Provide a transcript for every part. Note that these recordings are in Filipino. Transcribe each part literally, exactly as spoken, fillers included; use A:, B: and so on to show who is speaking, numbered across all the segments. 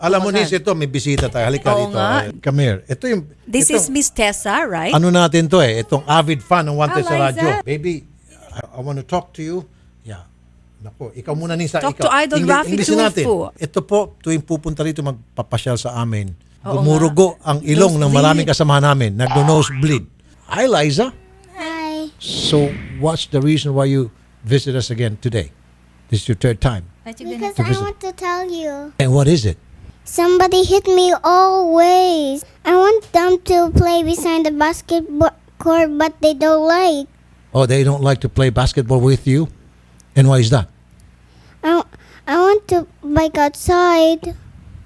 A: Alam mo, Nis, ito, may bisita tayo. Halika
B: Oo
A: dito.
B: nga.
A: Uh, Come here. Ito yung...
B: This
A: ito,
B: is Miss Tessa, right?
A: Ano natin to eh. Itong avid fan ng Wanted
B: Ah,
A: sa radyo.
B: Liza.
A: Baby, I, I want to talk to you. Yeah. Nako, ikaw muna, Nisa.
B: Talk
A: ikaw.
B: to Idol Rafi
A: English natin.
B: Tulfo.
A: Ito po, tuwing pupunta rito magpapasyal sa amin.
B: Oo
A: Gumurugo ang ilong ng
B: Nosebleed.
A: maraming kasamahan namin. Nagno-nosebleed. Hi, Liza.
C: Hi.
A: So, what's the reason why you visit us again today? This is your third time.
C: Because
A: To
C: I
A: visit.
C: want to tell you.
A: And what is it?
C: Somebody hit me always. I want them to play beside the basketball court, but they don't like.
A: Oh, they don't like to play basketball with you? And why is that?
C: I, I want to bike outside.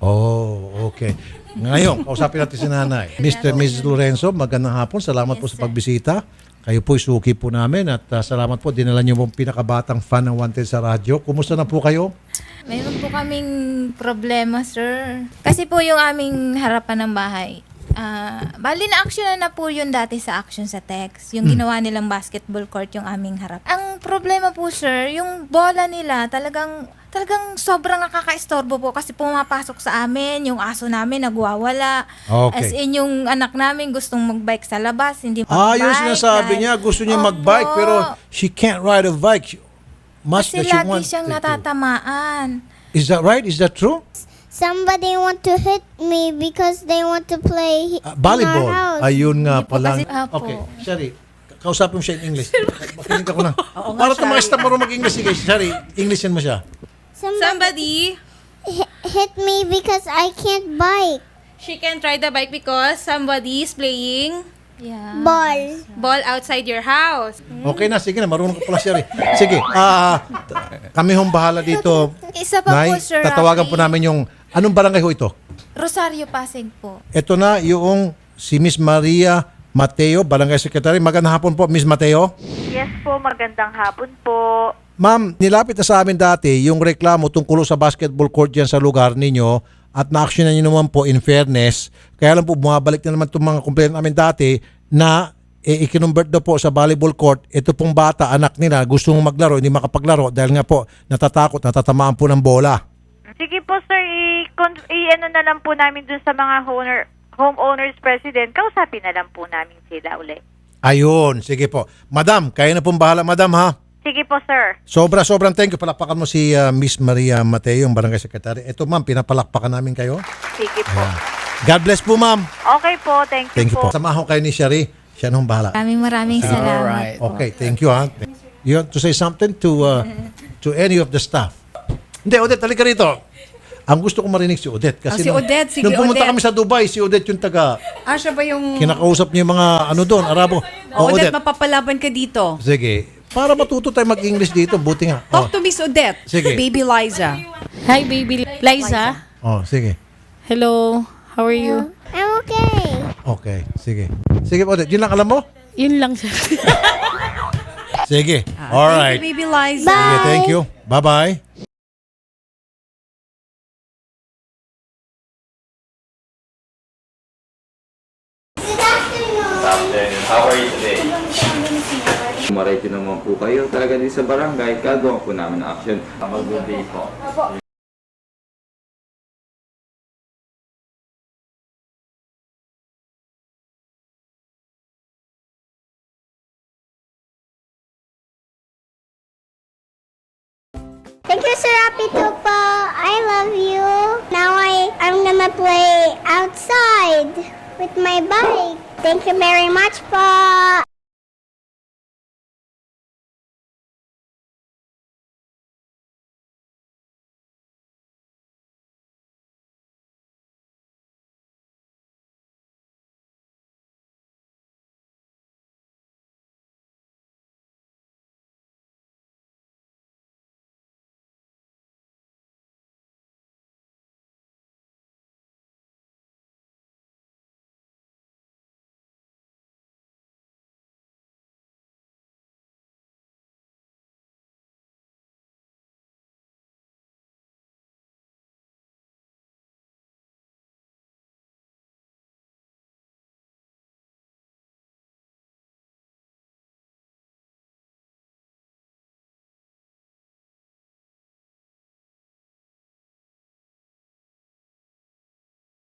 A: Oh, okay. Ngayon, kausapin natin si nanay. Mister and Missus Lorenzo, magandang hapon. Salamat po sa pagbisita. Kayo po'y suki po namin at uh, salamat po. Dinala niyo pong pinakabatang fan ng Wanted sa radyo. Kumusta na po kayo?
D: Mayroon po kaming problema, sir. Kasi po yung aming harapan ng bahay. Ah, bali na action na, na po yun dati sa action sa text. Yung ginawa nilang basketball court yung aming harap. Ang problema po, sir, yung bola nila talagang talagang sobrang nakaka-istorbo po kasi pumapasok sa amin, yung aso namin nagwawala.
A: Okay.
D: As in, yung anak namin gustong magbike sa labas, hindi
A: Ah,
D: magbike.
A: yung sinasabi
D: dahil-
A: niya, gusto niya
D: Opo.
A: magbike pero she can't ride a bike. Much
D: Kasi
A: that she
D: lagi
A: wants
D: siyang
A: to do.
D: natatamaan.
A: Is that right? Is that true?
C: Somebody want to hit me because they want to play
A: Uh,
C: in
A: volleyball.
C: our house.
A: Ayun nga
D: Hindi po
A: pala.
D: kasi- Apo.
A: Okay, Sherry, kausapin mo siya in English. Makinig ako na.
B: Oo nga,
A: Para ito mga
B: Shari.
A: staff marunong mag-English. Sige, Sherry, Englishin mo siya.
C: Somebody
E: Somebody,
C: hi- hit me because I can't bike.
E: she can ride the bike because somebody is playing
D: Yeah.
C: Ball.
E: ball outside your house.
A: Okay na, sige na, marunong ka pala, Sherry. Sige, ah, t- kami hong bahala dito.
D: Isa pa
A: Nay,
D: po, Sir
A: tatawagan
D: Rafi.
A: po namin yung, anong barangay ho ito?
D: Rosario Pasig po.
A: Ito na yung si Miss Maria Mateo, Barangay Secretary. Magandang hapon po, Miss Mateo.
F: Yes po, magandang hapon po.
A: Ma'am, nilapit na sa amin dati yung reklamo tungkol sa basketball court dyan sa lugar ninyo at na-actionan nyo naman po in fairness. Kaya lang po, bumabalik na naman itong mga complaint namin dati na eh, ikinumbert daw po sa volleyball court. Ito pong bata, anak nila, gusto mong maglaro, hindi makapaglaro dahil nga po natatakot, natatamaan po ng bola.
F: Sige po sir, i-con- i-ano na lang po namin dun sa mga owner, homeowners president. Kausapin na lang po namin sila uli.
A: Ayun, sige po. Madam, kaya na pong bahala, madam ha?
F: Sige po sir.
A: Sobra, sobrang thank you. Palakpakan mo si uh, Miss Maria Mateo, yung Barangay Secretary. Ito ma'am, pinapalakpakan namin kayo.
F: Sige po.
A: God bless po ma'am.
F: Okay po, thank you,
A: Thank you
F: po.
A: po. Samahan ko kayo ni Sherry. Siya nung bahala.
D: Maraming maraming salamat.
A: Okay, thank you ha. You want to say something to uh, to any of the staff? Hindi, Odette, halika rito. Ang gusto ko marinig si Odette. Kasi
B: Ah, si
A: nung,
B: Odette, sige,
A: nung pumunta
B: Odette.
A: kami sa Dubai, si Odette yung taga,
B: Ah, siya ba yung...
A: kinakausap niya yung mga ano doon, Arabo.
B: Oh,
A: Oh,
B: Odette,
A: Odette.
B: mapapalaban ka dito.
A: Sige. Para matuto tayo mag-English dito, buti nga. Oh,
B: Talk to Miss Odette.
A: Sige.
B: Baby Liza.
G: Hi, baby Liza.
A: oh, sige.
G: Hello. How are you?
C: I'm okay.
A: Okay, sige. Sige, Odette, yun lang alam mo?
G: Yun lang, sir.
A: Sige.
B: Ah,
A: All
B: thank
A: right.
B: you, Baby Liza.
A: Sige, thank you. Bye-bye.
H: How are you today? Kumarete naman po kayo talaga din sa barangay, gagawa po namin ng action. Mag-good day po.
C: Thank you, Sir Apitupo. I love you. Now I, I'm gonna play outside with my bike. Thank you very much, po.